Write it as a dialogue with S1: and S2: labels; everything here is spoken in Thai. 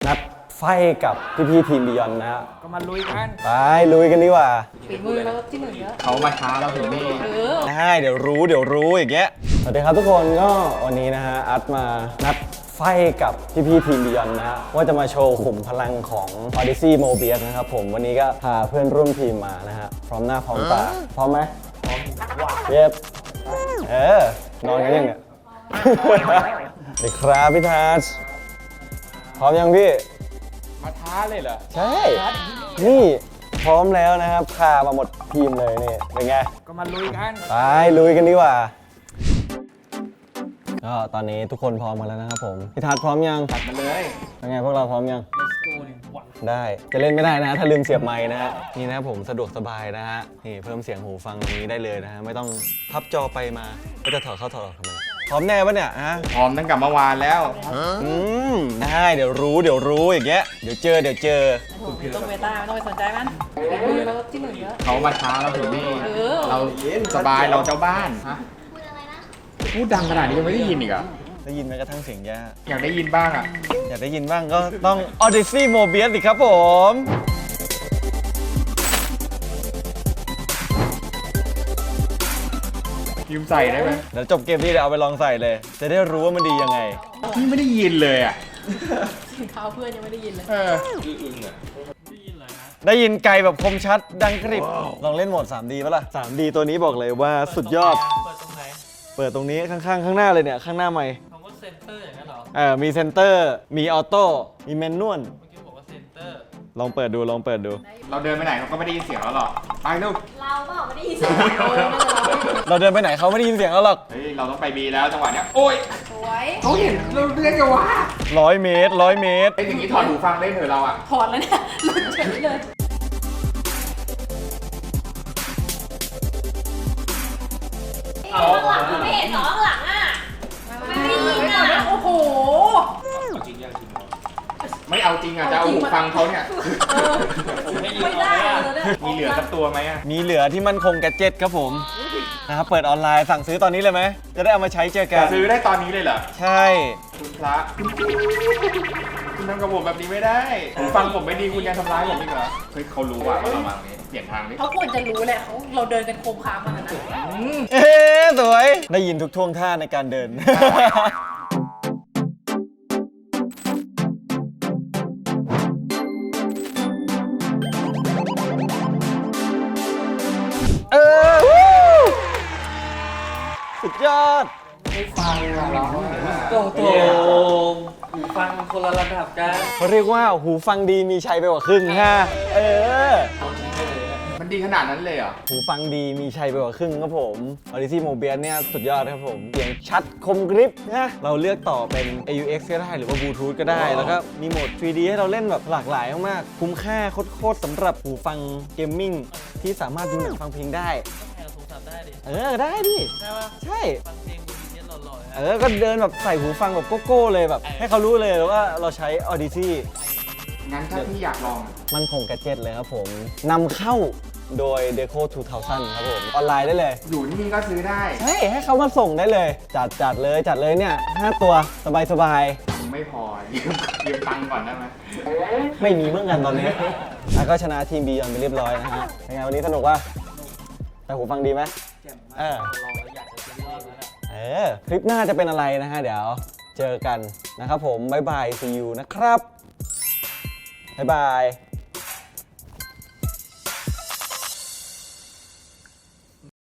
S1: นัดไฟกับพี่ทีมบิยอนนะฮะ
S2: ก็มาลุยกัน
S1: ไปลุยกันดีกว่า
S3: ฝีมือเราที่หนึ่งเยอะ
S2: เขามาช้าเราถึงนี่
S1: ได้เดี๋ยวรู้อย่างเงี้ยสวัสดีครับทุกคนก็วันนี้นะฮะอัดมานัดไฟกับพี่ทีมบิยอนนะฮะว่าจะมาโชว์ขุมพลังของ Odyssey Mobius นะครับผมวันนี้ก็พาเพื่อนร่วมทีมมานะฮะพร้อมหน้าพร้อมตาพร้อมไหมพร้อมเย็บนอนกันยังเนี่ยเด็กครับพี่ทัชพร้อมยังพี่
S2: มาท้าเลยเหรอ
S1: ใช่นี่พร้อมแล้วนะครับพามาหมดทีมเลยนี่เป็นไง
S2: ก็มาลุยกัน
S1: ไปลุยกันดีกว่าก็ตอนนี้ทุกคนพร้อมกันแล้วนะครับผมพี่ทัชพร้อมยัง
S2: ตัดมาเลย
S1: เป็นไงพวกเราพร้อมยัง
S2: Let's go
S1: ได้จะเล่นไม่ได้นะถ้าลืมเสียบไมค์นะฮะนี่นะครับผมสะดวกสบายนะฮะนี่เพิ่มเสียงหูฟังตรงนี้ได้เลยนะฮะไม่ต้องพับจอไปมาก็จะถอดเข้าถอดออกทำไมพร้อมแน่ปะเนี่ยฮะ
S2: พร้อมตั้งแต่เมื่อวานแล้ว
S1: ได้เดี๋ยวรู้อย่างเงี้ยเดี๋ยวเจอ
S3: ต้องเบต้าไม่ต้องไปสนใจมันฝีมือเราที่หนึ่งเยอะ
S2: เขามาช้าเราถึงนี่เราสบายเราเจ้าบ้านฮะพูดดังขนาดนี้ยังไม่ได้ยินอีกอ่ะ
S1: ได้ยินแม้กระทั่งเสียงย่า
S2: อยากได้ยินบ้างอ่ะ
S1: อยากได้ยินบ้างก็ต้อง Odyssey Mobius สิครับผม
S2: ยืมใส่ได้ไหม
S1: เดี๋ยวจบเกมนี้เดี๋ยวเอาไปลองใส่เลยจะได้รู้ว่ามันดียังไง
S2: พี่ไม่ได้ยินเลยอ่ะ
S3: เท้าเพื่อนยังไม่ได้ยินเลย
S2: อึ้งอ่ะ
S1: ได้ยินไกลแบบคมชัดดังกริบลองเล่นโหมด 3D ป่ะล่ะ 3D ตัวนี้บอกเลยว่าสุดยอดเปิดตรงนี้ข้างๆข้างหน้าเลยเนี่ยข้างหน้าไมค์
S4: คำว่าเซนเตอร์อย่างนั้นเหรอ
S1: มีเซนเตอร์มีออโต้มีแมนนวล
S4: เมื่อกี้บอกว่าเซนเตอร์
S1: ลองเปิดดู
S2: เราเดินไปไหนเขาก็ไม่ได้ยินเสียงเราหรอกไปลูก
S3: เราเปล่าไม่ได้ยินเสียง
S1: เราเดินไปไหนเขาไม่ได้ยินเสียงเราหรอก
S2: เฮ้ยเราต้องไปบีแล้วจังหวะเนี้ยโอ้ย
S3: สวย
S2: เขาเห็นเราเรียกกันว่า
S1: 100 เมตร
S2: ไอ้อย่างนี้ถอดหูฟังได้เถอะเราอ่ะ
S3: ถอดแล้วเนี่ยหลุดเฉยเลยข้างหลังไม่เห็นหรอข้างหลังอ่ะไม่ได้ยินอ่ะโอ้โห
S2: ไม่เอาจริงอ่ะจะเอาหูฟังเขาเนี่ย
S3: ไม่ได้
S2: มีเหลือสักตัวไหมอ่ะ
S1: มีเหลือที่มันคงแกดเจ็ตครับผมนะครับเปิดออนไลน์สั่งซื้อตอนนี้เลยไหมจะได้เอามาใช้เจอกัน
S2: ซื้อได้ตอนนี้เลยเหรอ
S1: ใช่
S2: คุณพระคุณทำกับผมแบบนี้ไม่ได้หูฟังผมไม่ดีคุณยังทำร้ายผมอีกเหรอเฮ้ยเขารู้ว่าเรามาตรงนี้เปลี่ยนทางนี้
S3: เขาควรจะรู้แหละเราเดินกันโคมคามมาขนาดนั้น
S1: สวยได้ยินทุกท่วงท่าในการเดินสุดยอด
S4: ไม่ฟังเราโอ้โหหูฟังคนละระดับกัน
S1: เขาเรียกว่าหูฟังดีมีชัยไปกว่าครึ่งฮะ
S2: มันดีขนาดนั้นเลยเหรอ
S1: หูฟังดีมีชัยไปกว่าครึ่งครับผม Odyssey Mobius เนี่ยสุดยอดครับผมเสียงชัดคมกริบนะเราเลือกต่อเป็น AUX ก็ได้หรือว่า Bluetooth ก็ได้แล้วก็มีโหมด 3D ให้เราเล่นแบบหลากหลายมากๆคุ้มค่าโคตรสำหรับหูฟังเกมมิ่งที่สามารถดูหนังฟังเพลงได้ได้ดิ
S4: ใช่ป่ะ
S1: ใช่
S4: ฟังเพลงมีเนี้ยหล่อ
S1: ๆก็เดินแบบใส่หูฟังแบบโก้เลยแบบให้เขารู้เลยว่าเราใช้ Odyssey
S2: งั้นถ้าพี่อยากลอง
S1: มันคงแกดเจ็ตเลยครับผมนำเข้าโดย Deco 2000 ครับผมออนไลน์ได้เลย
S2: อยู่นี่ก็ซื้อได้
S1: ให้เขามาส่งได้เลยจัดเลยเนี่ย5ตัวสบาย
S2: ไม่พอยืมตังค์ก่อนได้ไหม
S1: ไม่มีเหมือนกันตอนนี้แล้วก็ชนะทีมบียอนไปเรียบร้อยนะฮะเป็นไงวันนี้สนุกป่ะแต่หูฟังดีไหมคลิปหน้าจะเป็นอะไรนะฮะเดี๋ยวเจอกันนะครับผมบ๊ายบาย see you นะครับบ๊ายบาย